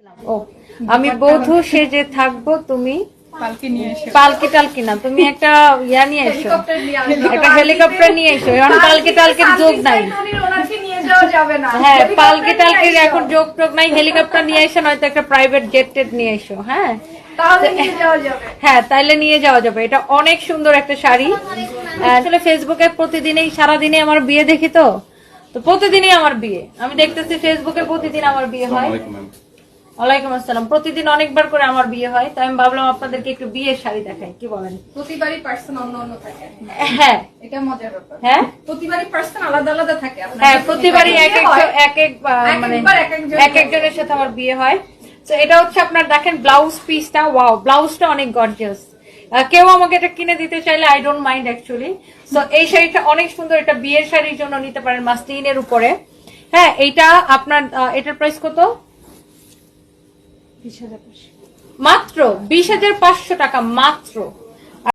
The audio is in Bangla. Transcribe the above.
ও আমি বধূ সেজে থাকবো, তুমি পালকি টালকি না, তুমি একটা ইয়া নিয়ে এসো, একটা হেলিকপ্টার নিয়ে এসো। এখন পালকি টালকির যোগ নাই, হ্যাঁ পালকি টালকির এখন যোগ টোগ নাই। হেলিকপ্টার নিয়ে এসো, নয়তো একটা প্রাইভেট জেট টেট নিয়ে এসো। হ্যাঁ হ্যাঁ তাইলে নিয়ে যাওয়া যাবে। এটা অনেক সুন্দর একটা শাড়ি। আসলে ফেসবুকে প্রতিদিনই সারাদিনে আমার বিয়ে দেখি, তো প্রতিদিনই আমার বিয়ে আমি দেখতেছি ফেসবুকে, প্রতিদিন আমার বিয়ে হয়। ওয়ালাইকুম আসসালাম। প্রতিদিন অনেকবার করে আমার বিয়ে হয়, তাই আমি ভাবলাম আপনাদেরকে একটু বিয়ের শাড়ি দেখাই। কি বলেন? প্রতিবারই পার্সন অন্য অন্য থাকে। হ্যাঁ এটা মজার ব্যাপার। হ্যাঁ প্রতিবারই পার্সন আলাদা আলাদা থাকে। হ্যাঁ প্রতিবারই মানে এক একজনের সাথে আমার বিয়ে হয়। তো এটা হচ্ছে আপনার দেখেন ব্লাউজ পিসটা, ওয়াও ব্লাউজটা অনেক গর্জিয়াস। কেউ আমাকে এটা কিনে দিতে চাইলে আই ডোন্ট মাইন্ড অ্যাকচুয়ালি। তো এই শাড়িটা অনেক সুন্দর, এটা বিয়ের শাড়ির জন্য নিতে পারেন মাসলিনের উপরে। হ্যাঁ এইটা আপনার এটার প্রাইস কত? মাত্র 20,500 টাকা মাত্র।